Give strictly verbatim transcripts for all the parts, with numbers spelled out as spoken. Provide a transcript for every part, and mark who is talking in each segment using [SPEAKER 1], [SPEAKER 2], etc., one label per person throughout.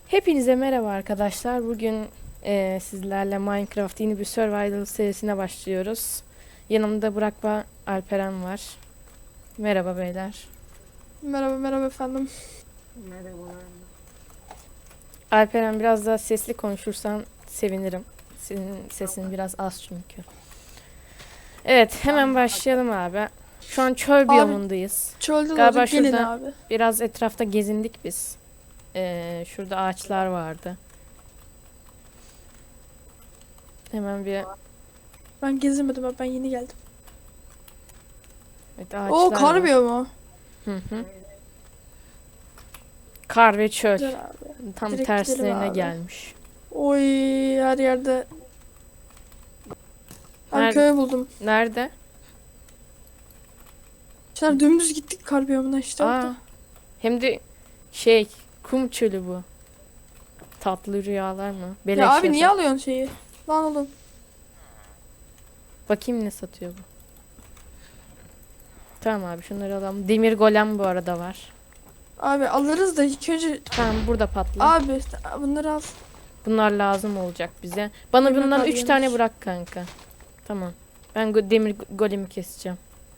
[SPEAKER 1] Hepinize merhaba arkadaşlar. Bugün eee, sizlerle Minecraft yeni bir Survival serisine başlıyoruz. Yanımda Burak ve Alperen var. Merhaba beyler.
[SPEAKER 2] Merhaba merhaba efendim.
[SPEAKER 3] Merhabalar.
[SPEAKER 1] Alperen biraz daha sesli konuşursan sevinirim. Senin sesin biraz az çünkü. Evet, hemen başlayalım abi. Şu an çöl
[SPEAKER 2] Abi,
[SPEAKER 1] biyomundayız.
[SPEAKER 2] Çölde
[SPEAKER 1] Galiba
[SPEAKER 2] doğduk, gelin
[SPEAKER 1] şurada-
[SPEAKER 2] abi.
[SPEAKER 1] Biraz etrafta gezindik biz. Eee, şurada ağaçlar vardı. Hemen bir
[SPEAKER 2] Ben gezemedim abi, ben yeni geldim.
[SPEAKER 1] evet, ağaçlar
[SPEAKER 2] Oo, kar
[SPEAKER 1] var.
[SPEAKER 2] biyomu.
[SPEAKER 1] Hı hı. Kar ve çöl.
[SPEAKER 2] Güzel abi.
[SPEAKER 1] Tam
[SPEAKER 2] Direkt
[SPEAKER 1] terslerine
[SPEAKER 2] gidelim abi.
[SPEAKER 1] gelmiş.
[SPEAKER 2] Oy, her yerde. Ben
[SPEAKER 1] Nerede?
[SPEAKER 2] köy buldum.
[SPEAKER 1] Nerede?
[SPEAKER 2] Şimdi dümdüz gittik kar biyomuna işte
[SPEAKER 1] Aa,
[SPEAKER 2] orada.
[SPEAKER 1] hem de şey, kum çölü bu. Tatlı rüyalar mı? Beleş
[SPEAKER 2] Ya abi niye
[SPEAKER 1] yatak.
[SPEAKER 2] alıyorsun şeyi? Lan oğlum.
[SPEAKER 1] Bakayım ne satıyor bu. Tamam abi, şunları alalım. Demir golem bu arada var.
[SPEAKER 2] Abi alırız da ilk önce.
[SPEAKER 1] Tamam, burada patla.
[SPEAKER 2] Abi bunları al.
[SPEAKER 1] Bunlar lazım olacak bize. Bana
[SPEAKER 2] Demir
[SPEAKER 1] bundan
[SPEAKER 2] golem
[SPEAKER 1] üç tane
[SPEAKER 2] yemiş.
[SPEAKER 1] bırak kanka. Tamam. Ben go- demir go- golemi keseceğim.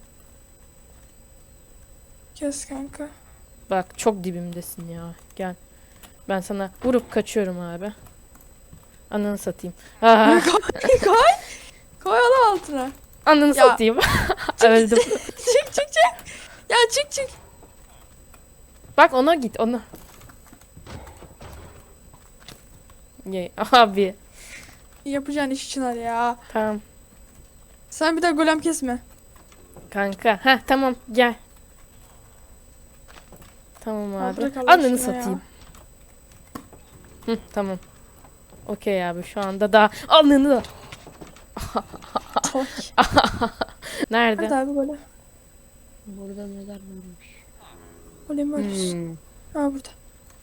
[SPEAKER 2] Kes kanka.
[SPEAKER 1] Bak, çok dibimdesin ya. Gel. Ben sana vurup kaçıyorum abi. Ananı satayım. Aa,
[SPEAKER 2] Koy. Koy onu altına.
[SPEAKER 1] ananı
[SPEAKER 2] Ya.
[SPEAKER 1] satayım. Öldüm.
[SPEAKER 2] Çık çık çık. Ya çık çık.
[SPEAKER 1] Bak, ona git, ona. Ye, abi.
[SPEAKER 2] Yapacağın iş için hadi ya.
[SPEAKER 1] Tamam.
[SPEAKER 2] Sen bir daha golem kesme.
[SPEAKER 1] Kanka. Heh, tamam, gel. Tamam
[SPEAKER 2] Ya
[SPEAKER 1] abi.
[SPEAKER 2] bırak Allah
[SPEAKER 1] Ananı
[SPEAKER 2] aşkına ya.
[SPEAKER 1] satayım. Hı, tamam. Okey abi, şu anda da ananı da.
[SPEAKER 2] Toy.
[SPEAKER 1] Nerede?
[SPEAKER 2] Hadi abi golem.
[SPEAKER 3] Burada neler varmış?
[SPEAKER 2] Golemi ölürsün.
[SPEAKER 3] Hmm.
[SPEAKER 2] Ha burada.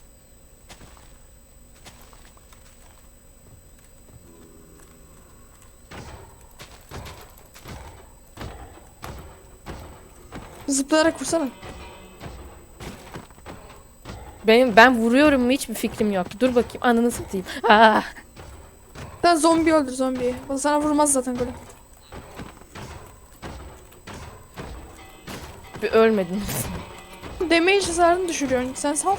[SPEAKER 2] Zıplayarak vursana.
[SPEAKER 1] Benim ben vuruyorum mu hiçbir fikrim yok. Dur bakayım, ananı satayım. Ah,
[SPEAKER 2] Sen zombi öldür zombiyi. O sana vurmaz zaten golem.
[SPEAKER 1] bir ölmedin.
[SPEAKER 2] Damage hasarını düşürüyorsun. Sen sal.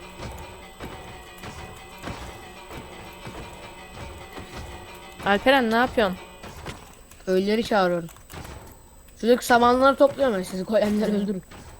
[SPEAKER 1] Alperen, ne yapıyorsun?
[SPEAKER 3] Ölüleri çağırıyorum. Şuradaki samanları topluyorum ben, sizi golemleri öldürün.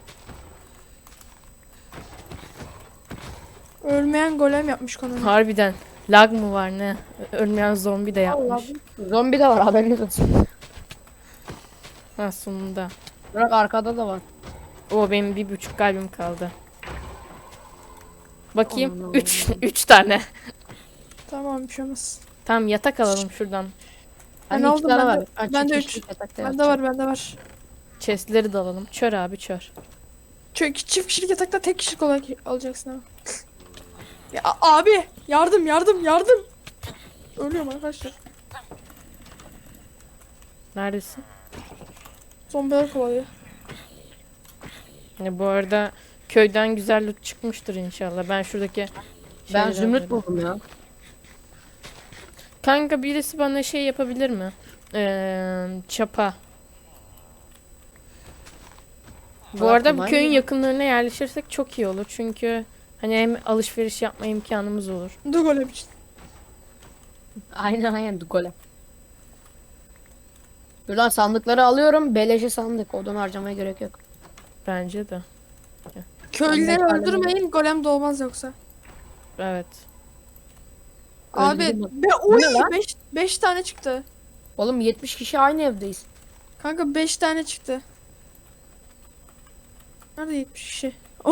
[SPEAKER 2] Ölmeyen golem yapmış konunu.
[SPEAKER 1] Harbiden. Lag mı var ne? Ölmeyen zombi de yapmış.
[SPEAKER 3] Zombi de var, haberiniz olsun.
[SPEAKER 1] Ha, sonunda.
[SPEAKER 3] Bırak, arkada da var.
[SPEAKER 1] O, benim bir buçuk kalbim kaldı. Bakayım.
[SPEAKER 3] Aman
[SPEAKER 1] Üç,
[SPEAKER 3] Allah'ım.
[SPEAKER 1] üç tane.
[SPEAKER 2] Tamam, bir şey olmaz.
[SPEAKER 1] Tamam, yatak alalım şuradan.
[SPEAKER 2] Ben
[SPEAKER 3] Bende iki
[SPEAKER 2] aldım,
[SPEAKER 3] tane
[SPEAKER 2] bende-
[SPEAKER 3] var. Ha,
[SPEAKER 2] bende
[SPEAKER 3] çift
[SPEAKER 2] üç.
[SPEAKER 3] kişilik yatakta
[SPEAKER 2] Bende
[SPEAKER 3] yatacağım.
[SPEAKER 2] var, bende var.
[SPEAKER 1] Chestleri de alalım. Çör abi, çör.
[SPEAKER 2] Çünkü çift kişilik yatakta tek kişilik olarak alacaksın abi. Ya a- abi yardım yardım yardım. Ölüyorum arkadaşlar.
[SPEAKER 1] Neredesin?
[SPEAKER 2] Zombiler kovalıyor.
[SPEAKER 1] Ya, bu arada köyden güzel loot çıkmıştır inşallah. Ben şuradaki
[SPEAKER 3] Ben
[SPEAKER 1] şeyleri
[SPEAKER 3] zümrüt
[SPEAKER 1] alıyorum.
[SPEAKER 3] buldum ya.
[SPEAKER 1] Kanka, birisi bana şey yapabilir mi? Ee, çapa. Bu
[SPEAKER 3] Valla
[SPEAKER 1] arada bu
[SPEAKER 3] kolay
[SPEAKER 1] köyün
[SPEAKER 3] ya.
[SPEAKER 1] yakınlarına yerleşirsek çok iyi olur. Çünkü hani hem alışveriş yapma imkanımız olur.
[SPEAKER 2] Dur golem için.
[SPEAKER 3] Aynen aynen golem. Buradan sandıkları alıyorum. Beleşe sandık. Odun harcamaya gerek yok.
[SPEAKER 1] Bence de.
[SPEAKER 2] Köylüleri
[SPEAKER 3] Ben de-
[SPEAKER 2] öldürmeyin, golem doğmaz yoksa.
[SPEAKER 1] Evet.
[SPEAKER 2] Abi
[SPEAKER 3] Öldürdüm bak.
[SPEAKER 2] be
[SPEAKER 3] Bu
[SPEAKER 2] oy
[SPEAKER 3] ne lan?
[SPEAKER 2] beş tane çıktı.
[SPEAKER 3] Oğlum yetmiş kişi aynı evdeyiz.
[SPEAKER 2] Kanka beş tane çıktı. Nerede yetmiş kişi?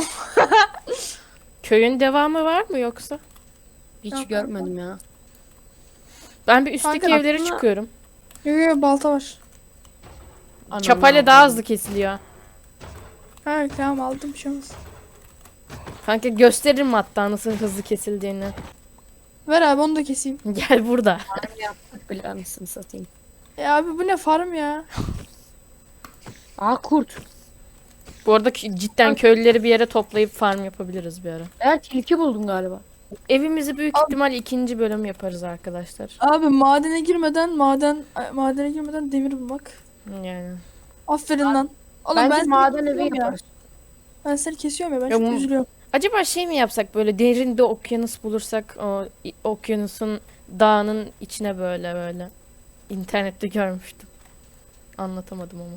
[SPEAKER 1] Köyün devamı var mı yoksa?
[SPEAKER 3] Hiç
[SPEAKER 2] Yok,
[SPEAKER 3] görmedim ya.
[SPEAKER 1] Ben bir üstteki
[SPEAKER 2] Kanka,
[SPEAKER 1] evlere
[SPEAKER 3] aslında-
[SPEAKER 1] çıkıyorum.
[SPEAKER 2] Yok yok, balta var.
[SPEAKER 3] Anam
[SPEAKER 1] Çapayla
[SPEAKER 3] ya.
[SPEAKER 1] daha hızlı kesiliyor.
[SPEAKER 2] Ha tamam, aldım, bir şey olmaz.
[SPEAKER 1] Kanka, gösteririm hatta nasıl hızlı kesildiğini.
[SPEAKER 2] Ver abi, onu da keseyim.
[SPEAKER 1] Gel burada.
[SPEAKER 3] Yaptık bile, anasını satayım.
[SPEAKER 2] E abi bu ne farm ya?
[SPEAKER 3] Aa, kurt.
[SPEAKER 1] Bu arada k- cidden köylüleri bir yere toplayıp farm yapabiliriz bir ara.
[SPEAKER 3] Ben tilki buldum galiba.
[SPEAKER 1] Evimizi büyük
[SPEAKER 2] Al.
[SPEAKER 1] ihtimal ikinci bölüm yaparız arkadaşlar.
[SPEAKER 2] Abi madene girmeden maden madene girmeden demir bulmak.
[SPEAKER 1] Yani.
[SPEAKER 2] Aferin lan. Oğlum
[SPEAKER 3] Bence
[SPEAKER 2] ben seni
[SPEAKER 3] maden evi
[SPEAKER 2] kesiyorum ya.
[SPEAKER 3] yaparız.
[SPEAKER 2] Ben seni kesiyorum ya ben
[SPEAKER 1] Ya
[SPEAKER 2] çok
[SPEAKER 1] bu-
[SPEAKER 2] üzülüyorum.
[SPEAKER 1] Acaba şey mi yapsak, böyle derinde okyanus bulursak o i- okyanusun dağının içine böyle böyle. İnternette görmüştüm. Anlatamadım ama.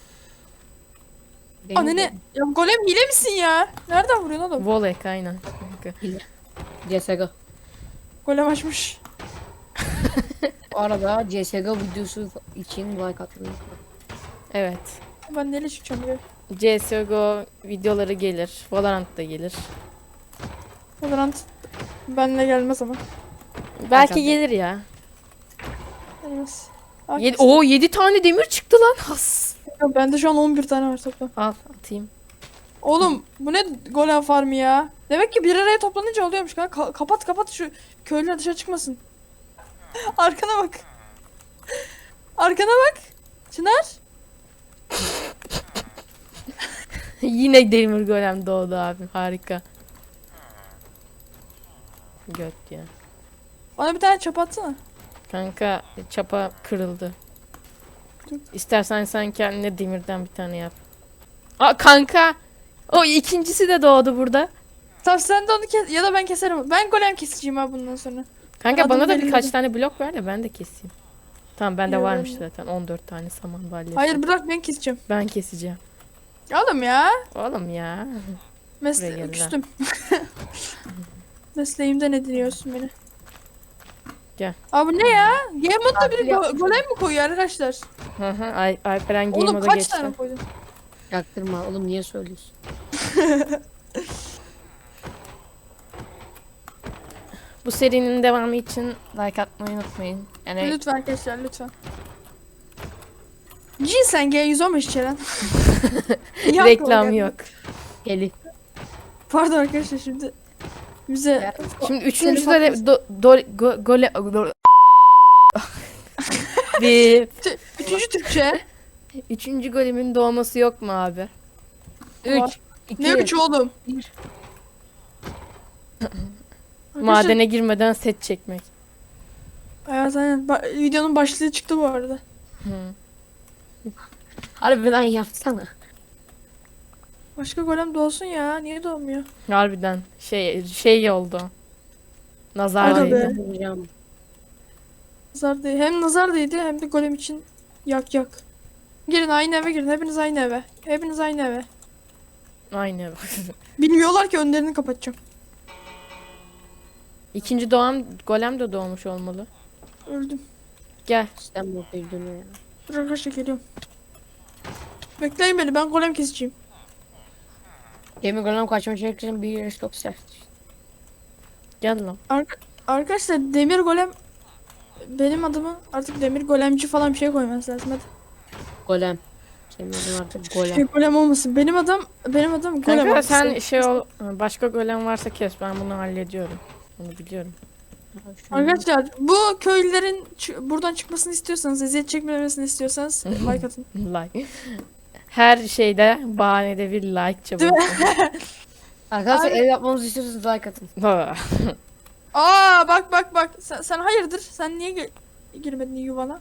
[SPEAKER 3] Benim
[SPEAKER 2] Anne ne? Ya golem hile misin ya? Nereden vuruyorsun oğlum?
[SPEAKER 1] Volek aynen.
[SPEAKER 3] C S G O.
[SPEAKER 2] Golem açmış.
[SPEAKER 3] Bu arada C S G O videosu için like atmayı unutmayın.
[SPEAKER 1] Evet.
[SPEAKER 2] Ben neyle çıkacağım buraya?
[SPEAKER 1] C S G O videoları gelir. Valorant da gelir.
[SPEAKER 2] Valorant benimle gelmez ama.
[SPEAKER 1] Belki
[SPEAKER 3] Bakalım.
[SPEAKER 1] gelir ya.
[SPEAKER 2] Gelmez. Aa,
[SPEAKER 1] Yedi,
[SPEAKER 2] kesin.
[SPEAKER 1] Oo yedi tane demir çıktı lan. Has.
[SPEAKER 2] Ya bende şu an on bir tane var toplam.
[SPEAKER 1] Al atayım.
[SPEAKER 2] Oğlum bu ne golem farmı ya? Demek ki bir araya toplanınca oluyormuş kanka. Ka- kapat kapat şu köylüler dışarı çıkmasın. Arkana bak. Arkana bak. Çınar.
[SPEAKER 1] Yine demir golem doğdu abi. Harika. Göt ya.
[SPEAKER 2] Bana bir tane çöp atsana.
[SPEAKER 1] Kanka çapa kırıldı.
[SPEAKER 2] Dur.
[SPEAKER 1] İstersen sen kendine demirden bir tane yap. Aa kanka. O ikincisi de doğdu burada.
[SPEAKER 2] Tamam sen de onu kes ya da ben keserim. Ben golem keseceğim ha bundan sonra.
[SPEAKER 1] Kanka
[SPEAKER 2] Adım
[SPEAKER 1] bana da
[SPEAKER 2] belli
[SPEAKER 1] birkaç
[SPEAKER 2] değil.
[SPEAKER 1] tane blok ver de ben de keseyim. Tamam bende
[SPEAKER 2] Yok,
[SPEAKER 1] varmış
[SPEAKER 2] ben-
[SPEAKER 1] zaten on dört tane saman balyası.
[SPEAKER 2] Hayır bırak ben keseceğim.
[SPEAKER 1] Ben keseceğim.
[SPEAKER 2] Oğlum ya.
[SPEAKER 1] Oğlum ya. Buraya
[SPEAKER 2] Mesle
[SPEAKER 1] gel lan.
[SPEAKER 2] küstüm. Mesleğimden ediniyorsun beni.
[SPEAKER 1] Gel.
[SPEAKER 2] Abi ne ya? Game modda biri
[SPEAKER 3] Tatil
[SPEAKER 2] go-
[SPEAKER 3] yapmışım.
[SPEAKER 2] golem mi koyuyor arkadaşlar?
[SPEAKER 1] Hı hı. Ay Alperen game
[SPEAKER 2] Oğlum
[SPEAKER 1] moda
[SPEAKER 2] kaç
[SPEAKER 1] geçti.
[SPEAKER 2] tane koydun?
[SPEAKER 3] Yaktırma oğlum, niye söylüyorsun?
[SPEAKER 1] Bu serinin devamı için like atmayı unutmayın. Yani
[SPEAKER 2] Lütfen arkadaşlar lütfen. Cinsen G yüz on beş içeren. Niye aklıma
[SPEAKER 1] reklam
[SPEAKER 2] geldi?
[SPEAKER 1] yok.
[SPEAKER 3] Elif.
[SPEAKER 2] Pardon arkadaşlar şimdi bize
[SPEAKER 3] Ya,
[SPEAKER 1] Şimdi üçüncü
[SPEAKER 2] Telefon-
[SPEAKER 1] de do, do, go, gole go- bir
[SPEAKER 2] Tü- üçüncü Türkçe.
[SPEAKER 1] üçüncü golemin doğması yok mu abi?
[SPEAKER 2] Var.
[SPEAKER 3] Üç. iki.
[SPEAKER 2] Ne üç oğlum?
[SPEAKER 3] bir.
[SPEAKER 2] Arkadaşlar-
[SPEAKER 1] Madene girmeden set çekmek.
[SPEAKER 2] Evet aynen. Ba- videonun başlığı çıktı bu arada.
[SPEAKER 1] Hı.
[SPEAKER 3] Harbiden yapsana.
[SPEAKER 2] Başka golem doğsun ya. Niye doğmuyor?
[SPEAKER 1] Harbiden şey şey oldu. Nazar
[SPEAKER 2] Aga
[SPEAKER 1] değdi.
[SPEAKER 2] be.
[SPEAKER 3] Hocam.
[SPEAKER 2] Nazar değil. Hem nazar değdi hem de golem için yak yak. Girin aynı eve girin. Hepiniz aynı eve. Hepiniz aynı eve.
[SPEAKER 1] Aynen.
[SPEAKER 2] Bilmiyorlar ki önlerini kapatacağım.
[SPEAKER 1] İkinci doğan golem de doğmuş olmalı.
[SPEAKER 2] Öldüm.
[SPEAKER 1] Gel.
[SPEAKER 3] İstanbul dönüyor ya.
[SPEAKER 2] Dur arkadaşlar geliyorum. Bekleyin beni ben golem keseceğim.
[SPEAKER 3] Demir golem kaçma çekeceğim, bir yarış çok sert.
[SPEAKER 1] Gel lan.
[SPEAKER 2] Ark arkadaşlar demir golem benim adıma artık demir golemci falan bir şey koymanız lazım hadi.
[SPEAKER 3] Golem. Senin adın artık
[SPEAKER 2] Şey,
[SPEAKER 3] golem.
[SPEAKER 2] golem olmasın. Benim adam benim adam golem.
[SPEAKER 1] Kanka
[SPEAKER 2] olmasın.
[SPEAKER 1] sen şey ol, başka golem varsa kes, ben bunu hallediyorum. Bunu biliyorum.
[SPEAKER 2] Arkadaşlar bu köylülerin çı- buradan çıkmasını istiyorsanız, eziyet çekmemesini istiyorsanız like atın.
[SPEAKER 1] Like. Her şeyde bahanede bir like çabuk.
[SPEAKER 3] Arkadaşlar
[SPEAKER 2] Abi-
[SPEAKER 3] ev yapmamızı istiyorsanız like atın.
[SPEAKER 2] Aa bak bak bak sen, sen hayırdır? Sen niye ge- girmedin yuvana?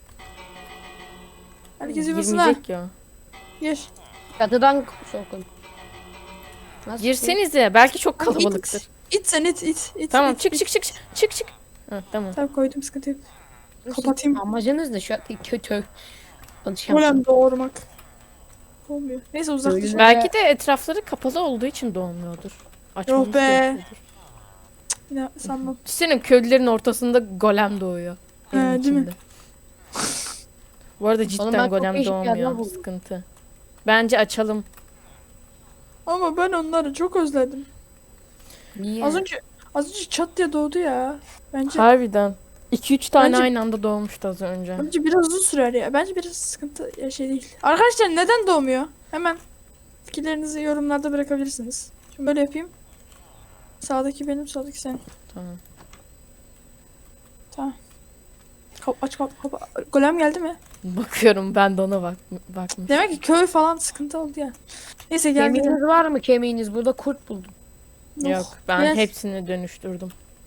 [SPEAKER 2] Herkes yuvasına.
[SPEAKER 1] Girmeyecek ki o.
[SPEAKER 2] Gir.
[SPEAKER 3] Çatıdan sokun. Nasıl?
[SPEAKER 1] Girsenize, belki çok
[SPEAKER 2] Abi
[SPEAKER 1] kalabalıktır.
[SPEAKER 2] it. İt sen it it. it
[SPEAKER 1] Tamam,
[SPEAKER 2] it,
[SPEAKER 1] çık
[SPEAKER 2] it.
[SPEAKER 1] çık çık çık çık. Ha, tamam.
[SPEAKER 2] Tamam koydum sıkıntı yok.
[SPEAKER 3] Nasıl?
[SPEAKER 2] kapatayım.
[SPEAKER 3] Amacınız ne şu an? Kötü. Konuşamıyorum.
[SPEAKER 2] Golem doğurmak. Olmuyor. Neyse uzaklaşalım.
[SPEAKER 1] Belki de etrafları kapalı olduğu için doğmuyordur. Açmamız
[SPEAKER 2] Yok be.
[SPEAKER 1] gerekiyordur.
[SPEAKER 2] Yine sanmam.
[SPEAKER 1] Senin köylülerin ortasında golem doğuyor.
[SPEAKER 2] He,
[SPEAKER 1] Evin
[SPEAKER 2] değil mi?
[SPEAKER 1] içinde. Bu arada
[SPEAKER 3] ben
[SPEAKER 1] cidden
[SPEAKER 3] çok
[SPEAKER 1] golem
[SPEAKER 3] değişik yerler
[SPEAKER 1] doğmuyor.
[SPEAKER 3] buldum.
[SPEAKER 1] Sıkıntı. Bence açalım.
[SPEAKER 2] Ama ben onları çok özledim.
[SPEAKER 3] Niye?
[SPEAKER 2] Az önce az önce çat diye doğdu ya. Bence
[SPEAKER 1] Harbiden. iki üç tane
[SPEAKER 2] Bence-
[SPEAKER 1] aynı anda doğmuştu az önce.
[SPEAKER 2] bence biraz uzun sürer ya. Bence biraz sıkıntı ya şey değil. Arkadaşlar neden doğmuyor? Hemen fikirlerinizi yorumlarda bırakabilirsiniz. Şimdi böyle yapayım. Sağdaki benim, soldaki senin.
[SPEAKER 1] Tamam.
[SPEAKER 2] Tamam. Kap aç kap kap. Golem geldi mi?
[SPEAKER 1] Bakıyorum, ben de ona bak bakmış.
[SPEAKER 2] Demek ki köy falan sıkıntı oldu ya. Neyse gel gidelim.
[SPEAKER 3] Kemiğiniz var mı kemiğiniz? Burada kurt buldum.
[SPEAKER 1] Yok ben
[SPEAKER 2] Gel.
[SPEAKER 1] hepsini dönüştürdüm.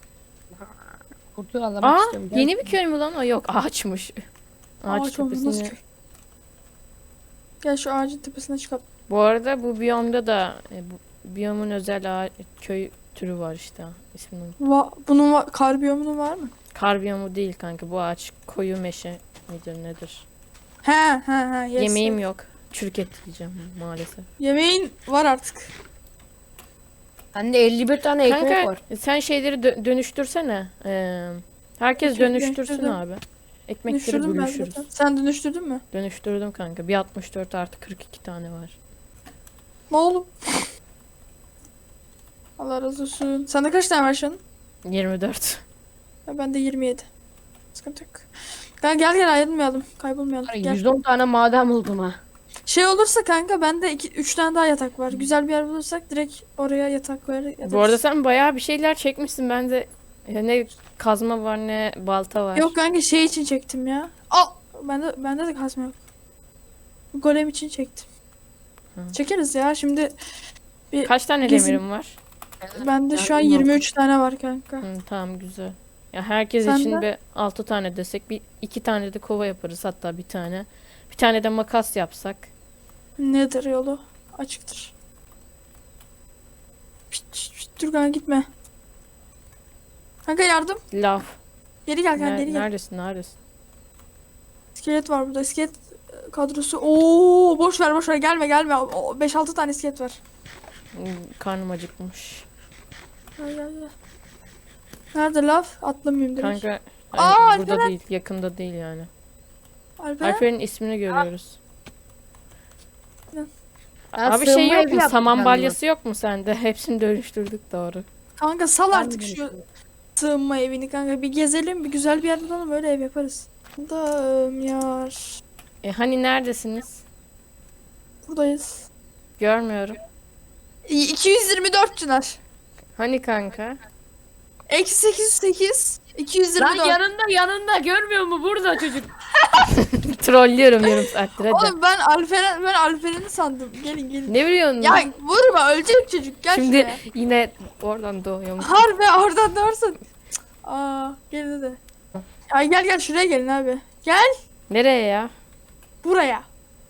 [SPEAKER 3] Kurtu alamak
[SPEAKER 1] Aa
[SPEAKER 3] istiyorum. Gel.
[SPEAKER 1] yeni bir köy mü lan o? Yok ağaçmış. Ağaç
[SPEAKER 2] Ağaç olmaz, nasıl
[SPEAKER 1] tepesini.
[SPEAKER 2] köy? Gel şu ağacın tepesine çıkalım.
[SPEAKER 1] Bu arada bu biyomda da e, bu biyomun özel ağa- köy türü var işte isminin.
[SPEAKER 2] Va bunun va kar biyomunun var mı?
[SPEAKER 1] Kar biyomu değil kanka bu ağaç koyu meşe midir nedir?
[SPEAKER 2] He he he. Yes,
[SPEAKER 1] Yemeğim
[SPEAKER 2] yes.
[SPEAKER 1] yok. Çürük et yiyeceğim maalesef.
[SPEAKER 2] Yemeğin var artık.
[SPEAKER 3] Bende elli bir tane ekmek
[SPEAKER 1] Kanka
[SPEAKER 3] var.
[SPEAKER 1] sen şeyleri dö- dönüştürsene. Ee, herkes
[SPEAKER 2] Dönüştürdüm,
[SPEAKER 1] dönüştürsün
[SPEAKER 2] dönüştürdüm.
[SPEAKER 1] abi. Ekmekleri
[SPEAKER 2] Dönüştürdüm ben
[SPEAKER 1] bölüşürüz.
[SPEAKER 2] zaten. Sen dönüştürdün mü?
[SPEAKER 1] Dönüştürdüm kanka. Bir altmış dört artı kırk iki tane var.
[SPEAKER 2] Ne oğlum? Allah razı olsun. Sende kaç tane var şu an?
[SPEAKER 1] yirmi dört.
[SPEAKER 2] Ya bende yirmi yedi. Sıkıntı yok. Gel gel gel ayrılmayalım. Kaybolmayalım. Gel.
[SPEAKER 3] yüz on tane maden buldum ha.
[SPEAKER 2] Şey olursa kanka bende üç tane daha yatak var. Güzel bir yer bulursak direkt oraya yatak koyar yatarız.
[SPEAKER 1] Bu arada sen bayağı bir şeyler çekmişsin. Bende ya ne kazma var ne balta var.
[SPEAKER 2] Yok kanka şey için çektim ya. Al. Bende bende de kazma yok. Golem için çektim.
[SPEAKER 1] Hı.
[SPEAKER 2] Çekeriz ya şimdi.
[SPEAKER 1] Kaç tane
[SPEAKER 2] Gezin-
[SPEAKER 1] demirim var?
[SPEAKER 2] Bende şu an
[SPEAKER 3] Yardım
[SPEAKER 2] yirmi üç tane var kanka.
[SPEAKER 1] Hı, tamam güzel. Ya herkes
[SPEAKER 2] Sen
[SPEAKER 1] için
[SPEAKER 2] de?
[SPEAKER 1] bir altı tane desek bir iki tane de kova yaparız hatta bir tane. Bir tane de makas yapsak.
[SPEAKER 2] Nedir yolu? Açıktır. Pişt, pişt, pişt, dur kanka gitme. Kanka yardım.
[SPEAKER 1] Laf.
[SPEAKER 2] Geri gel kanka
[SPEAKER 1] Ner-
[SPEAKER 2] geri gel.
[SPEAKER 1] neredesin neredesin?
[SPEAKER 2] İskelet var burada. İskelet e, kadrosu. Oo boş ver boş ver gelme gelme. beş altı tane iskelet var.
[SPEAKER 1] Hmm, Karnım acıkmış.
[SPEAKER 2] Gel gel gel. Nerede laf? Atlamayayım direkt.
[SPEAKER 1] Kanka
[SPEAKER 2] Aa,
[SPEAKER 1] hani burada
[SPEAKER 2] Alperen.
[SPEAKER 1] değil yakında değil yani.
[SPEAKER 2] Alperen.
[SPEAKER 1] Alper'in ismini görüyoruz.
[SPEAKER 2] Ne?
[SPEAKER 3] Ben
[SPEAKER 1] Abi şey
[SPEAKER 3] sığınma
[SPEAKER 1] yok
[SPEAKER 3] evi
[SPEAKER 1] mu?
[SPEAKER 3] yaptım
[SPEAKER 1] Saman
[SPEAKER 3] kendime.
[SPEAKER 1] balyası yok mu sende? Hepsini dönüştürdük doğru.
[SPEAKER 2] Kanka sal
[SPEAKER 3] Ben
[SPEAKER 2] artık
[SPEAKER 3] de
[SPEAKER 2] şu
[SPEAKER 3] düşünüyorum.
[SPEAKER 2] sığınma evini kanka. Bir gezelim bir güzel bir yer bulalım öyle ev yaparız. Dağım yar.
[SPEAKER 1] E hani neredesiniz?
[SPEAKER 2] Buradayız.
[SPEAKER 1] Görmüyorum.
[SPEAKER 2] İ- iki yüz yirmi dört Çınar.
[SPEAKER 1] Hani kanka?
[SPEAKER 2] Eksi sekiz yüz sekiz. iki yüz yirmi
[SPEAKER 3] Lan
[SPEAKER 2] dört.
[SPEAKER 3] yanında yanında görmüyor mu burada çocuk?
[SPEAKER 1] Trollüyorum yarım saattir hadi.
[SPEAKER 2] Oğlum ben Alperen ben Alperen'i sandım. Gelin gelin.
[SPEAKER 1] Ne biliyorsun?
[SPEAKER 2] Ya
[SPEAKER 1] lan?
[SPEAKER 2] vurma ölecek çocuk gel
[SPEAKER 1] Şimdi
[SPEAKER 2] şuraya.
[SPEAKER 1] yine oradan doğuyormuş.
[SPEAKER 2] Harbi oradan doğursun. Aa gel de. Ay gel gel şuraya gelin abi. Gel
[SPEAKER 1] Nereye ya?
[SPEAKER 2] buraya.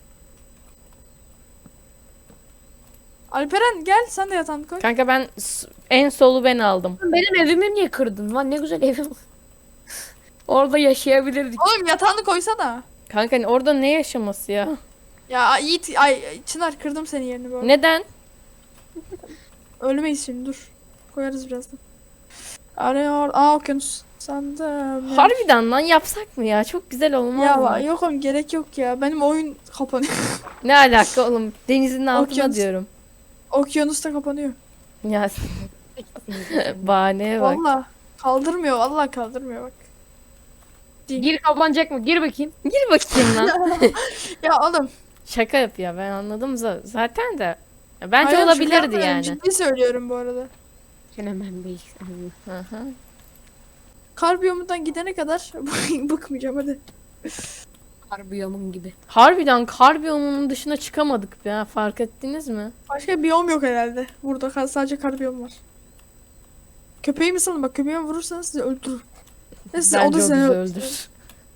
[SPEAKER 2] Alperen gel sen de yatağını koy.
[SPEAKER 1] Kanka ben s- en solu ben aldım.
[SPEAKER 3] Benim evimi niye kırdın lan? Ne güzel evim. Orada yaşayabilirdik.
[SPEAKER 2] Oğlum yatağını koysana.
[SPEAKER 1] Kanka hani orada ne yaşaması ya?
[SPEAKER 2] Ya Yiğit ay Çınar kırdım senin yerini bu arada.
[SPEAKER 1] Neden?
[SPEAKER 2] Ölmeyiz şimdi dur. Koyarız birazdan. Arıyor. Aa okyanus. Sandım. ya.
[SPEAKER 1] Harbiden lan yapsak mı ya? Çok güzel olmaz
[SPEAKER 2] Ya
[SPEAKER 1] mı?
[SPEAKER 2] va- yok oğlum gerek yok ya. Benim oyun kapanıyor.
[SPEAKER 1] Ne alaka oğlum? Denizin altına
[SPEAKER 2] Okyanus.
[SPEAKER 1] diyorum.
[SPEAKER 2] Okyanus da kapanıyor.
[SPEAKER 1] Ya bahaneye bak.
[SPEAKER 2] Valla kaldırmıyor. Valla kaldırmıyor bak.
[SPEAKER 3] Gir kapanacak mı? Gir bakayım.
[SPEAKER 1] Gir bakayım lan.
[SPEAKER 2] Ya oğlum.
[SPEAKER 1] Şaka yapıyor ben anladım za- zaten de. Ya Bence
[SPEAKER 2] hayır, şaka
[SPEAKER 1] olabilirdi
[SPEAKER 2] yapmıyorum,
[SPEAKER 1] yani.
[SPEAKER 2] Ciddi söylüyorum bu arada.
[SPEAKER 3] Sen hemen bir
[SPEAKER 1] Hı hı.
[SPEAKER 2] Kar biyomundan gidene kadar bıkmayacağım hadi.
[SPEAKER 3] Harbiyomun gibi.
[SPEAKER 1] Harbiden kar biyomunun dışına çıkamadık ya fark ettiniz mi?
[SPEAKER 2] Başka biyom yok herhalde. Burada kar- sadece kar biyom var. Köpeği mi salın bak köpeğimi vurursanız sizi öldürür. Ve size, o
[SPEAKER 1] Bence
[SPEAKER 2] da
[SPEAKER 1] o
[SPEAKER 2] seni
[SPEAKER 1] bizi
[SPEAKER 2] öldürür.
[SPEAKER 1] öldür.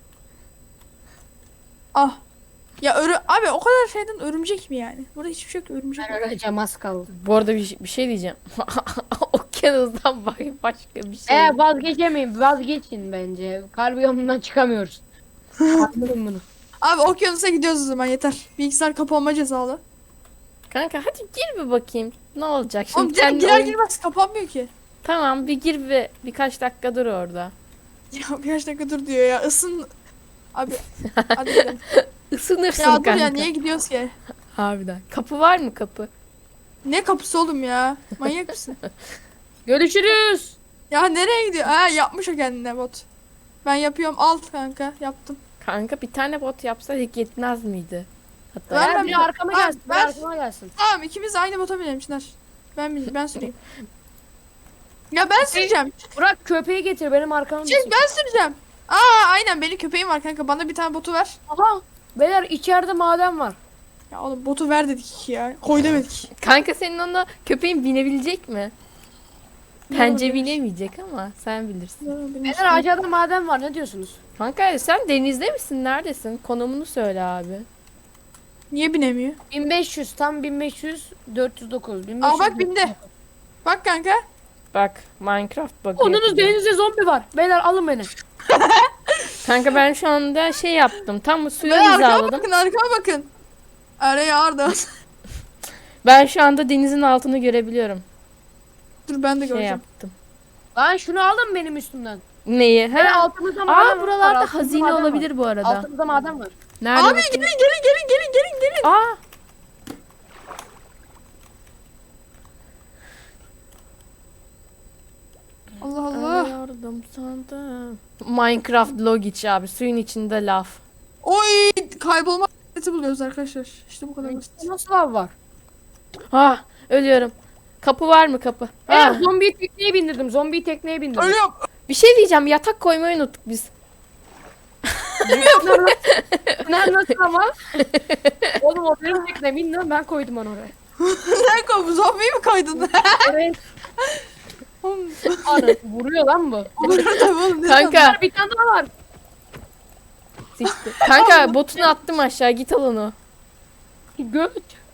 [SPEAKER 2] Ah. Ya örü abi o kadar şeyden örümcek mi yani? Burada hiçbir şey yok örümcek.
[SPEAKER 3] Ben öleceğim az kaldı.
[SPEAKER 1] Bu arada bir, bir şey diyeceğim. Okyanustan bak başka bir şey.
[SPEAKER 3] Ee vazgeçemeyin. Vazgeçin bence. Harbiyomundan çıkamıyoruz. Anladım bunu.
[SPEAKER 2] Abi okyanusa gidiyoruz o zaman yeter. Bilgisayar kapanma cezalı.
[SPEAKER 1] Kanka hadi gir bir bakayım. Ne olacak şimdi
[SPEAKER 2] Oğlum direkt
[SPEAKER 1] kendi
[SPEAKER 2] girer
[SPEAKER 1] oyun-
[SPEAKER 2] girmez kapanmıyor ki.
[SPEAKER 1] Tamam bir gir bir birkaç dakika dur orada.
[SPEAKER 2] Ya birkaç dakika dur diyor ya ısın. Abi hadi gidelim.
[SPEAKER 1] Isınırsın
[SPEAKER 2] Ya dur
[SPEAKER 1] kanka.
[SPEAKER 2] ya niye gidiyoruz ki?
[SPEAKER 1] Harbiden. Kapı var mı kapı?
[SPEAKER 2] Ne kapısı oğlum ya? Manyak mısın?
[SPEAKER 3] Görüşürüz.
[SPEAKER 2] Ya nereye gidiyor? Ha yapmış o kendine bot. Ben yapıyorum alt kanka yaptım.
[SPEAKER 1] Kanka bir tane bot yapsaydık yetmez miydi? Hatta
[SPEAKER 2] Ver,
[SPEAKER 3] Ver
[SPEAKER 2] ver,
[SPEAKER 3] biri
[SPEAKER 2] ver.
[SPEAKER 3] arkama
[SPEAKER 2] Ver,
[SPEAKER 3] gelsin. Biri
[SPEAKER 2] ver.
[SPEAKER 3] arkama gelsin.
[SPEAKER 2] Tamam ikimiz de aynı bota binelim Çınar. Ben bin- ben süreyim. Ya ben süreceğim.
[SPEAKER 3] Burak köpeği getir benim arkama.
[SPEAKER 2] Çek ben süreceğim. Aa aynen benim köpeğim var kanka bana bir tane botu ver.
[SPEAKER 3] Aha. Beyler içeride maden var.
[SPEAKER 2] Ya oğlum botu ver dedik ya. Koy demedik.
[SPEAKER 1] Kanka senin ona köpeğin binebilecek mi? Bence bilemeyecek ama sen bilirsin.
[SPEAKER 3] Beyler aşağıda maden var, ne diyorsunuz?
[SPEAKER 1] Kanka sen denizde misin? Neredesin? Konumunu söyle abi.
[SPEAKER 2] Niye binemiyor?
[SPEAKER 3] bin beş yüz, tam bin beş yüz, dört yüz dokuz. bin beş
[SPEAKER 2] Aa
[SPEAKER 3] yüz,
[SPEAKER 2] bak bindi. Bak kanka.
[SPEAKER 1] Bak Minecraft bakıyor.
[SPEAKER 3] Onunuz denizde zombi var. Beyler alın beni.
[SPEAKER 1] Kanka ben şu anda şey yaptım. Tam suyu
[SPEAKER 2] Ben arkama
[SPEAKER 1] hizaladım.
[SPEAKER 2] bakın arkama bakın. Araya Arda.
[SPEAKER 1] Ben şu anda denizin altını görebiliyorum.
[SPEAKER 2] Dur ben de
[SPEAKER 1] Şey
[SPEAKER 2] göreceğim.
[SPEAKER 1] yaptım.
[SPEAKER 3] Lan şunu alın benim üstümden.
[SPEAKER 1] Neyi?
[SPEAKER 3] Beyler
[SPEAKER 1] Ha?
[SPEAKER 3] altımızda maden var.
[SPEAKER 1] Aa buralarda
[SPEAKER 3] altımızda
[SPEAKER 1] hazine
[SPEAKER 3] maden var.
[SPEAKER 1] olabilir bu arada.
[SPEAKER 3] Altımızda maden var.
[SPEAKER 1] Nerede?
[SPEAKER 2] Abi
[SPEAKER 1] bakayım?
[SPEAKER 2] gelin gelin gelin gelin gelin gelin.
[SPEAKER 1] Aa.
[SPEAKER 2] Allah Allah.
[SPEAKER 1] Yardım sandım. Minecraft Logic abi. Suyun içinde laf.
[SPEAKER 2] Oy kaybolma seti buluyoruz arkadaşlar. İşte bu kadar basit.
[SPEAKER 3] Nasıl lav var?
[SPEAKER 1] Ah ölüyorum. Kapı var mı kapı?
[SPEAKER 3] Beyler
[SPEAKER 1] Ah,
[SPEAKER 3] zombiyi tekneye bindirdim. Zombiyi tekneye bindirdim.
[SPEAKER 2] Ölüyorum.
[SPEAKER 1] bir şey diyeceğim. Yatak koymayı unuttuk biz.
[SPEAKER 3] Bunlar nasıl ama? Oğlum o benim tekne, bilmiyorum, ben koydum onu oraya.
[SPEAKER 2] Sen koy zombiyi mi koydun?
[SPEAKER 3] Oraya
[SPEAKER 2] Oğlum,
[SPEAKER 3] anı vuruyor lan bu.
[SPEAKER 2] olur tabii oğlum. ne
[SPEAKER 1] Kanka.
[SPEAKER 2] sandın?
[SPEAKER 3] Bir tane daha var.
[SPEAKER 1] Siktir. Kanka botunu attım aşağı. Git al onu.
[SPEAKER 3] Göt.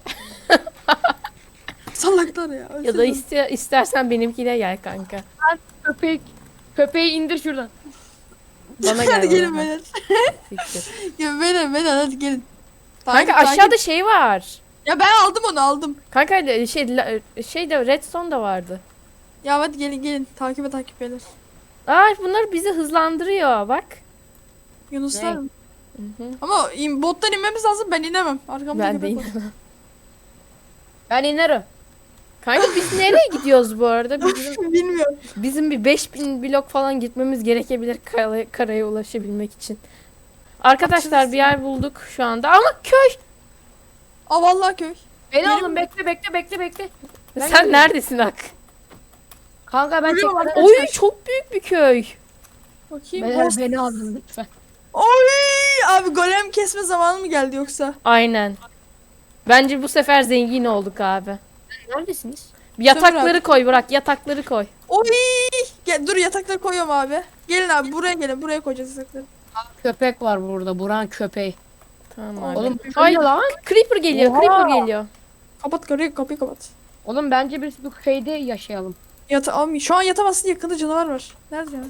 [SPEAKER 2] Salaklar ya.
[SPEAKER 1] Ya da iste, istersen benimkine gel kanka.
[SPEAKER 3] Köpek. Köpeği indir şuradan.
[SPEAKER 1] Bana gel.
[SPEAKER 2] Hadi gelin
[SPEAKER 1] bana.
[SPEAKER 2] beyler.
[SPEAKER 1] Siktir.
[SPEAKER 2] Ya beyler beyler hadi gelin.
[SPEAKER 1] Kanka
[SPEAKER 2] Takip,
[SPEAKER 1] aşağıda
[SPEAKER 2] takip.
[SPEAKER 1] şey var.
[SPEAKER 2] Ya ben aldım onu aldım.
[SPEAKER 1] Kanka şey la- şey de redstone da vardı.
[SPEAKER 2] Ya hadi gelin gelin. Takibe takip beyler.
[SPEAKER 1] Aa bunlar bizi hızlandırıyor bak.
[SPEAKER 2] Yunuslar
[SPEAKER 3] Ne?
[SPEAKER 2] mı?
[SPEAKER 1] Hı hı.
[SPEAKER 2] Ama in, bottan inmemiz lazım ben inemem. Arkamda
[SPEAKER 1] Ben de
[SPEAKER 2] köpek var.
[SPEAKER 1] inemem.
[SPEAKER 3] Ben inerim.
[SPEAKER 1] Kanka biz nereye gidiyoruz bu arada? Bizim,
[SPEAKER 2] Bilmiyorum.
[SPEAKER 1] bizim bir beş bin blok falan gitmemiz gerekebilir kara- karaya ulaşabilmek için. Arkadaşlar bir yer bulduk şu anda ama köy.
[SPEAKER 2] Aa vallahi köy.
[SPEAKER 3] Beni
[SPEAKER 2] Benim-
[SPEAKER 3] alın, bekle bekle bekle bekle. Ben
[SPEAKER 1] Sen
[SPEAKER 3] gidiyorum.
[SPEAKER 1] neredesin Ak?
[SPEAKER 3] Kanka ben
[SPEAKER 2] Yürüyorum
[SPEAKER 3] tekneden
[SPEAKER 1] Oy
[SPEAKER 3] çıkar-
[SPEAKER 1] çok büyük bir köy.
[SPEAKER 2] Bakayım.
[SPEAKER 3] Beyler
[SPEAKER 2] Of.
[SPEAKER 3] beni alın lütfen.
[SPEAKER 2] Oy! Abi golem kesme zamanı mı geldi yoksa?
[SPEAKER 1] Aynen. Bence bu sefer zengin olduk abi.
[SPEAKER 3] Neredesiniz?
[SPEAKER 1] Yatakları koy bırak yatakları koy.
[SPEAKER 2] Oy! Gel, dur yatakları koyuyorum abi. Gelin abi buraya gelin. Buraya koyacağız yatakları.
[SPEAKER 3] Köpek var burada. Buran köpeği.
[SPEAKER 1] Tamam abi.
[SPEAKER 3] Oğlum
[SPEAKER 1] Ay
[SPEAKER 3] bu ne lan?
[SPEAKER 1] creeper geliyor
[SPEAKER 3] Oha!
[SPEAKER 1] creeper geliyor.
[SPEAKER 2] Kapat kapıyı, kapıyı kapat.
[SPEAKER 3] Oğlum bence biz bu köyde yaşayalım.
[SPEAKER 2] Yata abi şu an yatamazsın yakında canavar var. Nerede canavar?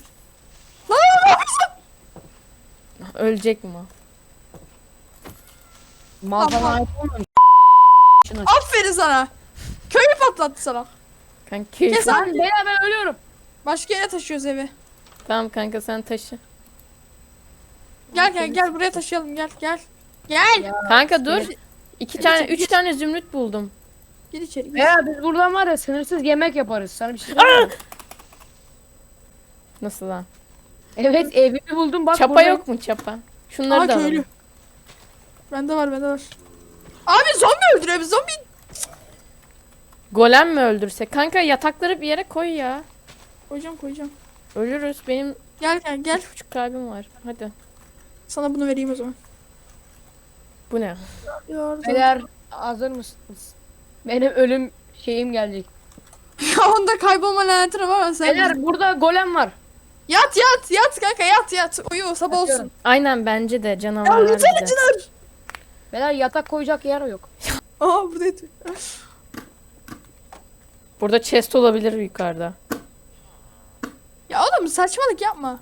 [SPEAKER 1] Ölecek mi? o?
[SPEAKER 3] Mal
[SPEAKER 2] Tamam.
[SPEAKER 3] falan ait olmamış. Şuna.
[SPEAKER 2] Aferin sana. Köyü patlattı sana.
[SPEAKER 1] Kanka köy-
[SPEAKER 2] Kes
[SPEAKER 3] Lan
[SPEAKER 2] abi.
[SPEAKER 3] beyler ben ölüyorum.
[SPEAKER 2] Başka yere taşıyoruz evi.
[SPEAKER 1] Tamam kanka sen taşı.
[SPEAKER 2] Gel gel gel buraya taşıyalım gel gel. Gel.
[SPEAKER 1] Kanka dur.
[SPEAKER 2] Gir,
[SPEAKER 1] İki
[SPEAKER 2] Gir
[SPEAKER 1] tane,
[SPEAKER 2] içeri,
[SPEAKER 1] üç
[SPEAKER 2] gir.
[SPEAKER 1] tane zümrüt buldum.
[SPEAKER 2] gir içeri gir.
[SPEAKER 3] Beyler biz buradan var ya sınırsız yemek yaparız. Sana bir şey söyleyeyim mi?
[SPEAKER 1] Nasıl lan?
[SPEAKER 3] Evet evimi buldum bak.
[SPEAKER 1] Çapa
[SPEAKER 3] burada.
[SPEAKER 1] yok mu çapa? Şunları
[SPEAKER 2] Aa
[SPEAKER 1] da
[SPEAKER 2] köylü.
[SPEAKER 1] alalım.
[SPEAKER 2] Bende var bende var. Abi zombi öldürüyor biz zombi.
[SPEAKER 1] Golem mi öldürse? Kanka yatakları bir yere koy ya.
[SPEAKER 2] Koyacağım koyacağım.
[SPEAKER 1] Ölürüz. Benim
[SPEAKER 2] Gel gel gel.
[SPEAKER 1] üç buçuk kalbim var. Hadi.
[SPEAKER 2] Sana bunu vereyim o zaman.
[SPEAKER 1] Bu ne?
[SPEAKER 2] Yardım.
[SPEAKER 3] Beyler hazır mısınız? Benim ölüm şeyim gelecek.
[SPEAKER 2] Ya onda kaybolma lanetine var ama sen.
[SPEAKER 3] Beyler burada golem var.
[SPEAKER 2] Yat yat yat kanka yat yat. Uyu sabah
[SPEAKER 3] Yatıyorum.
[SPEAKER 2] olsun.
[SPEAKER 1] Aynen bence de
[SPEAKER 2] Ya
[SPEAKER 1] canavarlar
[SPEAKER 2] uyusana
[SPEAKER 1] bize.
[SPEAKER 2] Çınar.
[SPEAKER 3] Beyler yatak koyacak yer yok.
[SPEAKER 2] Aa burada yatıyor.
[SPEAKER 1] Burada chest olabilir yukarıda.
[SPEAKER 2] Ya oğlum saçmalık yapma.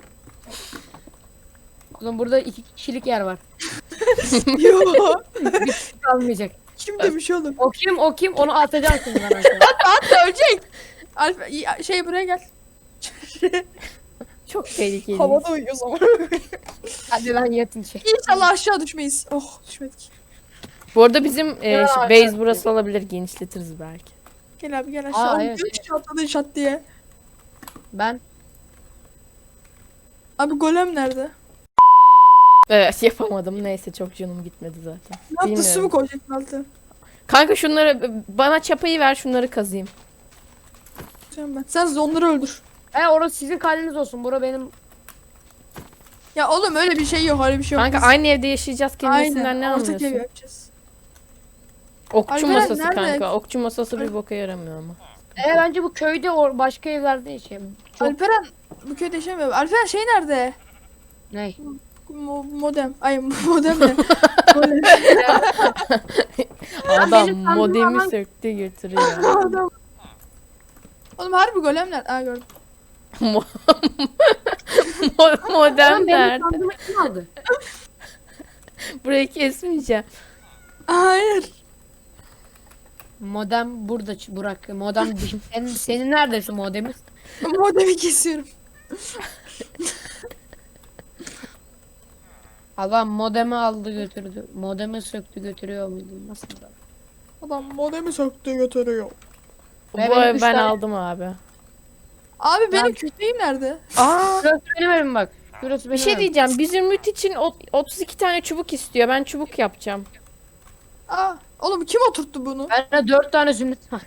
[SPEAKER 3] Oğlum burada iki kişilik yer var.
[SPEAKER 2] Yo.
[SPEAKER 3] Bir kişi kalmayacak.
[SPEAKER 2] Kim demiş oğlum?
[SPEAKER 3] O kim o kim onu atacaksın ben aşağı.
[SPEAKER 2] Hatta ölecek. Alfa ya, şey buraya gel.
[SPEAKER 1] Çok tehlikeli.
[SPEAKER 2] Havada uyuyor zaman.
[SPEAKER 3] Hadi lan yatın şey.
[SPEAKER 2] İnşallah aşağı düşmeyiz. Oh düşmedik.
[SPEAKER 1] Bu arada bizim e,
[SPEAKER 3] Ya,
[SPEAKER 1] şey,
[SPEAKER 3] evet.
[SPEAKER 1] base burası olabilir. Genişletiriz belki.
[SPEAKER 2] Gel abi gel aşağı.
[SPEAKER 3] Aa,
[SPEAKER 2] Oğlum,
[SPEAKER 3] evet,
[SPEAKER 2] üç kişi atladın şat diye.
[SPEAKER 3] Ben
[SPEAKER 2] Abi golem nerede?
[SPEAKER 1] Evet yapamadım. Neyse çok canım gitmedi zaten.
[SPEAKER 2] Ne yaptı su mu
[SPEAKER 1] Bilmiyorum.
[SPEAKER 2] koyacaksın altı?
[SPEAKER 1] Kanka şunları bana çapayı ver şunları kazıyım.
[SPEAKER 2] Sen ben. Sen onları öldür.
[SPEAKER 3] e orası sizin kaleniz olsun. Bura benim.
[SPEAKER 2] Ya oğlum öyle bir şey yok öyle bir şey yok.
[SPEAKER 1] Kanka
[SPEAKER 2] Biz-
[SPEAKER 1] aynı evde yaşayacağız kelimesinden ne
[SPEAKER 2] ortak ev
[SPEAKER 1] anlıyorsun?
[SPEAKER 2] yapacağız.
[SPEAKER 1] Okçu
[SPEAKER 2] Alperen
[SPEAKER 1] masası
[SPEAKER 2] nerede?
[SPEAKER 1] kanka. Okçu masası bir boka yaramıyor ama.
[SPEAKER 3] E bence bu köyde or başka evlerde yaşayalım. Çok
[SPEAKER 2] Alperen bu köyde yaşamıyor. Alperen şey nerede?
[SPEAKER 3] ne?
[SPEAKER 2] Mo- modem. Ay modem ne? Golem.
[SPEAKER 1] Adam
[SPEAKER 3] benim sandığım
[SPEAKER 1] modemi
[SPEAKER 3] alan-
[SPEAKER 1] söktü götürüyor.
[SPEAKER 2] Adam. Oğlum harbi golem nerede? Aa gördüm.
[SPEAKER 1] Mo- Mo- Modem
[SPEAKER 3] Lan benim
[SPEAKER 1] nerede?
[SPEAKER 3] sandığımı kim aldı?
[SPEAKER 1] Burayı kesmeyeceğim.
[SPEAKER 2] Hayır.
[SPEAKER 3] Modem burada Ç- Burak. Modem senin, senin neredeyse modemin?
[SPEAKER 2] Modemi kesiyorum.
[SPEAKER 3] Adam modemi aldı götürdü. Modemi söktü götürüyor muydu? Nasıl da?
[SPEAKER 2] Adam modemi söktü götürüyor.
[SPEAKER 1] Bu
[SPEAKER 3] Ve benim
[SPEAKER 1] evi
[SPEAKER 3] üç
[SPEAKER 1] ben
[SPEAKER 3] tane-
[SPEAKER 1] aldım abi.
[SPEAKER 2] Abi benim
[SPEAKER 3] Ben-
[SPEAKER 2] köpeğim nerede?
[SPEAKER 1] Aa,
[SPEAKER 3] Şurası benim evim bak. Şurası
[SPEAKER 1] bir
[SPEAKER 3] benim
[SPEAKER 1] şey
[SPEAKER 3] evim.
[SPEAKER 1] diyeceğim. Bir zümrüt için ot- otuz iki tane çubuk istiyor. Ben çubuk yapacağım.
[SPEAKER 2] Aa, oğlum kim oturttu bunu?
[SPEAKER 3] Bende dört tane zümrüt var.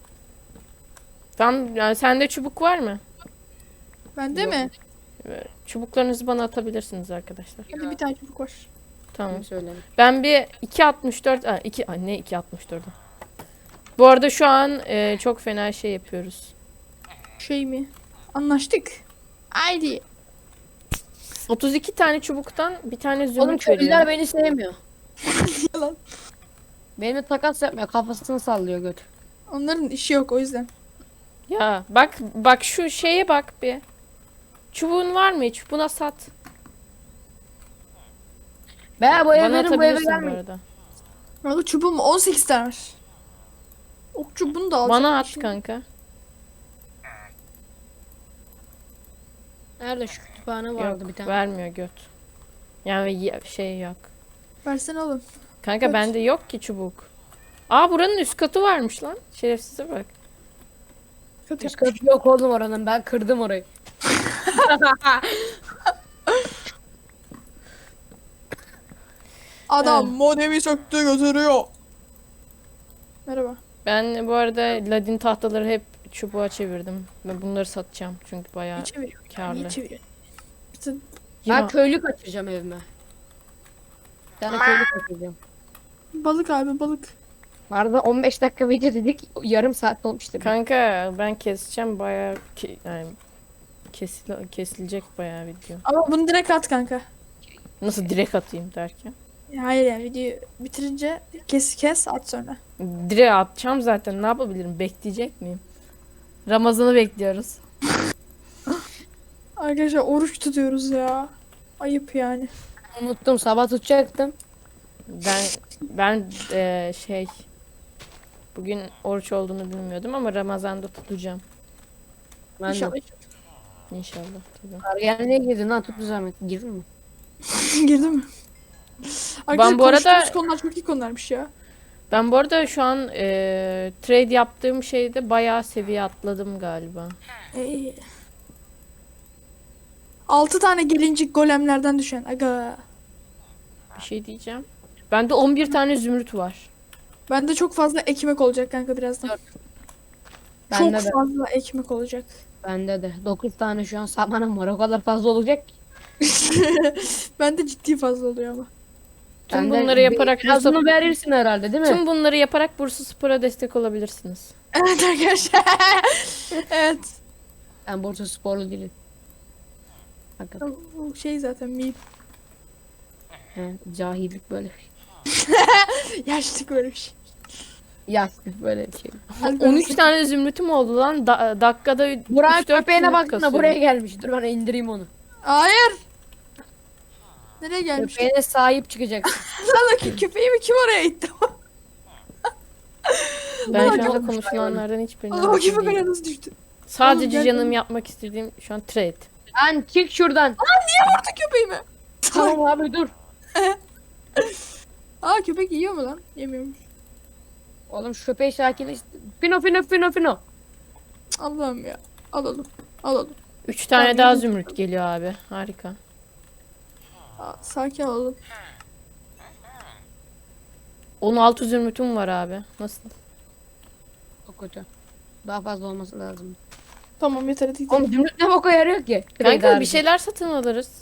[SPEAKER 1] Tam yani sende çubuk var mı?
[SPEAKER 2] Bende
[SPEAKER 3] Yok.
[SPEAKER 2] mi?
[SPEAKER 1] Ee, Çubuklarınızı bana atabilirsiniz arkadaşlar.
[SPEAKER 2] Hadi bir tane çubuk var.
[SPEAKER 1] Tamam.
[SPEAKER 3] Kim söyledi?
[SPEAKER 1] Ben bir iki altmış dört aa, iki aa, ne iki altmış dört. Bu arada şu an e, çok fena şey yapıyoruz.
[SPEAKER 2] Şey mi? Anlaştık. Haydi.
[SPEAKER 1] otuz iki tane çubuktan bir tane
[SPEAKER 3] Oğlum
[SPEAKER 1] zümrüt
[SPEAKER 3] köylüler
[SPEAKER 1] veriyor.
[SPEAKER 3] beni sevmiyor.
[SPEAKER 2] Yalan.
[SPEAKER 3] Benimle takas yapmıyor. Kafasını sallıyor göt.
[SPEAKER 2] Onların işi yok o yüzden.
[SPEAKER 1] Ya bak bak şu şeye bak bir. Çubuğun var mı hiç? Buna sat.
[SPEAKER 3] Ben bu eve
[SPEAKER 1] Bana
[SPEAKER 3] verin bu eve
[SPEAKER 1] atabilirsin bu
[SPEAKER 3] gelmeyin.
[SPEAKER 1] arada.
[SPEAKER 2] Orada çubuğum on sekiz tane var. Ok çubuğunu da alacağım.
[SPEAKER 1] Bana at
[SPEAKER 2] Şimdi-
[SPEAKER 1] kanka.
[SPEAKER 3] Nerede şu kütüphane vardı
[SPEAKER 1] Yok
[SPEAKER 3] bir tane.
[SPEAKER 1] vermiyor göt. Yani ye- şey yok.
[SPEAKER 2] Versene oğlum.
[SPEAKER 1] Kanka
[SPEAKER 2] Göt.
[SPEAKER 1] bende yok ki çubuk. Aa buranın üst katı varmış lan. Şerefsize bak.
[SPEAKER 2] Kötü
[SPEAKER 3] Üst
[SPEAKER 2] yapmış.
[SPEAKER 3] katı yok oğlum oranın. Ben kırdım orayı.
[SPEAKER 2] Adam modemi söktü götürüyor. Merhaba.
[SPEAKER 1] Ben bu arada ladin tahtaları hep çubuğa çevirdim. Ve bunları satacağım çünkü bayağı
[SPEAKER 2] Niye çeviriyor?
[SPEAKER 1] karlı.
[SPEAKER 2] Niye çeviriyor? Bütün
[SPEAKER 3] Ben
[SPEAKER 1] Ya,
[SPEAKER 3] köylü kaçıracağım evime. Bir tane köylü kaçıracağım.
[SPEAKER 2] balık abi balık.
[SPEAKER 3] Arada on beş dakika video dedik. Yarım saat olmuştu.
[SPEAKER 1] kanka ben keseceğim bayağı ke- yani kesil kesilecek bayağı video.
[SPEAKER 2] Ama bunu direkt at kanka.
[SPEAKER 1] Nasıl direkt atayım derken?
[SPEAKER 2] Ya hayır yani videoyu bitirince kes kes at sonra.
[SPEAKER 1] Direkt atacağım zaten ne yapabilirim? Bekleyecek miyim? Ramazan'ı bekliyoruz.
[SPEAKER 2] Arkadaşlar oruç tutuyoruz ya. Ayıp yani.
[SPEAKER 3] Unuttum sabah tutacaktım.
[SPEAKER 1] Ben ben eee, şey bugün oruç olduğunu bilmiyordum ama Ramazan'da tutacağım
[SPEAKER 3] Ben de.
[SPEAKER 2] İnşallah.
[SPEAKER 1] inşallah. Tabii.
[SPEAKER 3] Ergenliğe girdin lan tuttu zahmet. Girdin mi?
[SPEAKER 2] Girdi mi? Arkadaşlar
[SPEAKER 1] bu arada-
[SPEAKER 2] konuştuğumuz konular çok iyi konularmış ya.
[SPEAKER 1] Ben bu arada şu an eee, trade yaptığım şeyde bayağı seviye atladım galiba.
[SPEAKER 2] Ee, altı tane gelincik golemlerden düşen. Aga.
[SPEAKER 1] Bir şey diyeceğim. Bende on bir tane zümrüt var.
[SPEAKER 2] Bende çok fazla ekmek olacak kanka birazdan.
[SPEAKER 3] Bende
[SPEAKER 2] çok
[SPEAKER 3] de.
[SPEAKER 2] fazla ekmek olacak.
[SPEAKER 3] Bende de. dokuz tane şu an samanım var. O kadar fazla olacak ki.
[SPEAKER 2] Bende ciddi fazla oluyor ama.
[SPEAKER 1] Tüm
[SPEAKER 3] Bende
[SPEAKER 1] bunları yaparak
[SPEAKER 3] bir- birazını
[SPEAKER 1] Bursa,
[SPEAKER 3] verirsin herhalde değil mi?
[SPEAKER 1] tüm bunları yaparak Bursa Spor'a destek olabilirsiniz.
[SPEAKER 2] Evet arkadaşlar. Evet.
[SPEAKER 3] Ben Bursa sporlu değilim. Hakikaten.
[SPEAKER 2] Bu şey zaten miyim.
[SPEAKER 3] He, cahillik böyle bir şey.
[SPEAKER 2] Yaşlık böyle bir şey.
[SPEAKER 3] Yaşlık böyle bir şey.
[SPEAKER 1] on üç tane zümrütüm oldu lan. Da- dakikada
[SPEAKER 3] Burak
[SPEAKER 1] üç dört
[SPEAKER 3] köpeğine
[SPEAKER 1] zümrüt
[SPEAKER 3] baksana
[SPEAKER 1] kasıyorum.
[SPEAKER 3] buraya gelmiş. Dur ben indireyim onu.
[SPEAKER 2] Hayır. Nereye gelmiş?
[SPEAKER 3] Köpeğine sahip çıkacaksın.
[SPEAKER 2] Lan ki köpeğimi kim oraya itti?
[SPEAKER 1] Ben
[SPEAKER 3] Ulan
[SPEAKER 1] şu anda
[SPEAKER 3] çok
[SPEAKER 1] konuşulanlardan hiçbirinden
[SPEAKER 2] Allah o
[SPEAKER 1] hakim
[SPEAKER 2] köpek
[SPEAKER 1] değilim.
[SPEAKER 2] oraya nasıl düştü?
[SPEAKER 1] Sadece
[SPEAKER 2] Oğlum,
[SPEAKER 1] canım
[SPEAKER 2] gel-
[SPEAKER 1] yapmak istediğim şu an trade.
[SPEAKER 2] Hani
[SPEAKER 3] Lan çık şuradan.
[SPEAKER 2] Vurdu köpeğimi.
[SPEAKER 3] Tamam abi dur.
[SPEAKER 2] Aa köpek yiyor mu lan? Yemiyormuş.
[SPEAKER 3] Oğlum şu köpeği sakinleş. Fino fino fino fino.
[SPEAKER 2] Allah'ım ya. Al oğlum. Al oğlum.
[SPEAKER 1] Üç tane
[SPEAKER 2] Tamam,
[SPEAKER 1] daha
[SPEAKER 2] yedim.
[SPEAKER 1] zümrüt geliyor abi. Harika.
[SPEAKER 2] Aa, sakin ol oğlum.
[SPEAKER 1] on altı zümrütüm var abi. Nasıl?
[SPEAKER 3] Çok kötü. Daha fazla olması lazım.
[SPEAKER 2] Tamam yeter hadi gidelim.
[SPEAKER 3] Oğlum zümrüt ne boka yarıyor ki?
[SPEAKER 1] Kanka bir şeyler satın alırız.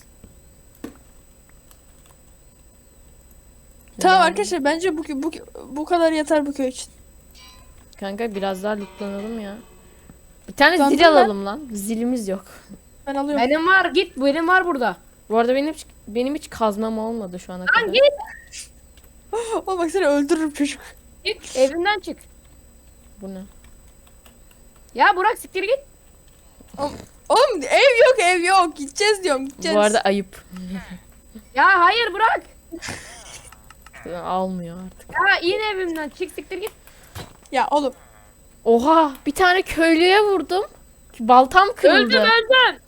[SPEAKER 2] Tamam
[SPEAKER 1] Yani.
[SPEAKER 2] arkadaşlar bence bu, bu, bu kadar yeter bu köy için.
[SPEAKER 1] Kanka biraz daha lootlanalım ya. Bir tane
[SPEAKER 2] Lootlandım
[SPEAKER 1] zil
[SPEAKER 2] ben.
[SPEAKER 1] alalım lan. Zilimiz yok.
[SPEAKER 2] Ben alıyorum.
[SPEAKER 3] Benim var git benim var burada.
[SPEAKER 1] Bu arada benim hiç, benim hiç kazmam olmadı şu ana kadar.
[SPEAKER 3] Lan git.
[SPEAKER 2] Oğlum bak seni öldürürüm çocuk.
[SPEAKER 3] Git evinden çık.
[SPEAKER 1] Bu ne?
[SPEAKER 3] Ya Burak siktir git.
[SPEAKER 2] Oğlum ev yok ev yok. Gideceğiz diyorum gideceğiz.
[SPEAKER 1] Bu arada ayıp.
[SPEAKER 3] Ya hayır Burak.
[SPEAKER 1] Almıyor artık.
[SPEAKER 3] Ya in evimden çık siktir git.
[SPEAKER 2] Ya oğlum.
[SPEAKER 1] Oha, bir tane köylüye vurdum. Baltam kırıldı.
[SPEAKER 3] Öldüm öldüm.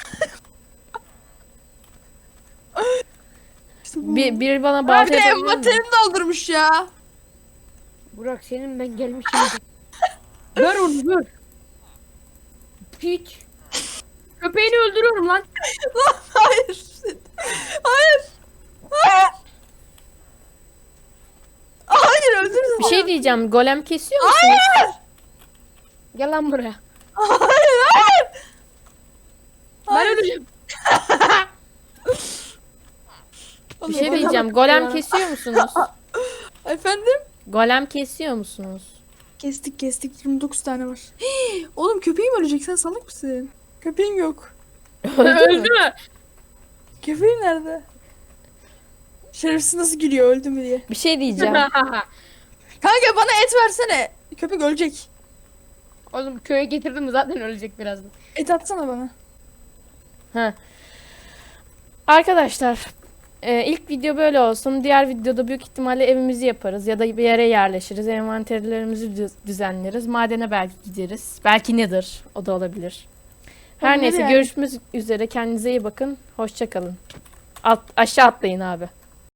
[SPEAKER 2] İşte bu.
[SPEAKER 1] Bir, biri bana
[SPEAKER 2] Ha,
[SPEAKER 1] balta
[SPEAKER 2] bir de
[SPEAKER 1] yapabilir mi?
[SPEAKER 2] envanterini doldurmuş ya.
[SPEAKER 3] Burak senin ben gelmişim. Ver onu ver. Hiç. Köpeğini öldürüyorum lan.
[SPEAKER 2] Lan hayır. Hayır. Hayır. Hayır öldürdüm.
[SPEAKER 1] Bir şey diyeceğim. Golem kesiyor musunuz?
[SPEAKER 2] Hayır.
[SPEAKER 3] Gel lan buraya.
[SPEAKER 2] Hayır hayır.
[SPEAKER 3] Ben
[SPEAKER 2] Hayır.
[SPEAKER 3] öleceğim.
[SPEAKER 1] Bir şey diyeceğim. Golem kesiyor musunuz?
[SPEAKER 2] Efendim?
[SPEAKER 1] Golem kesiyor musunuz?
[SPEAKER 2] Kestik kestik yirmi dokuz tane var. Hii, oğlum köpeğim ölecek sen salak mısın? Köpeğim yok.
[SPEAKER 1] Öldü mü?
[SPEAKER 2] Köpeğim nerede? Şerefsiz nasıl gülüyor öldü mü diye.
[SPEAKER 1] Bir şey diyeceğim.
[SPEAKER 2] Kanka bana et versene. Köpek ölecek.
[SPEAKER 3] Oğlum köye getirdim zaten ölecek birazdan.
[SPEAKER 2] Et atsana bana.
[SPEAKER 1] Ha. Arkadaşlar, e, ilk video böyle olsun. Diğer videoda büyük ihtimalle evimizi yaparız ya da bir yere yerleşiriz. Envanterlerimizi düz- düzenleriz. Madene belki gideriz. Belki nedir? O da olabilir. Her
[SPEAKER 2] Olabilir
[SPEAKER 1] neyse
[SPEAKER 2] yani.
[SPEAKER 1] görüşmek üzere. Kendinize iyi bakın. Hoşça kalın. Alt, aşağı atlayın abi.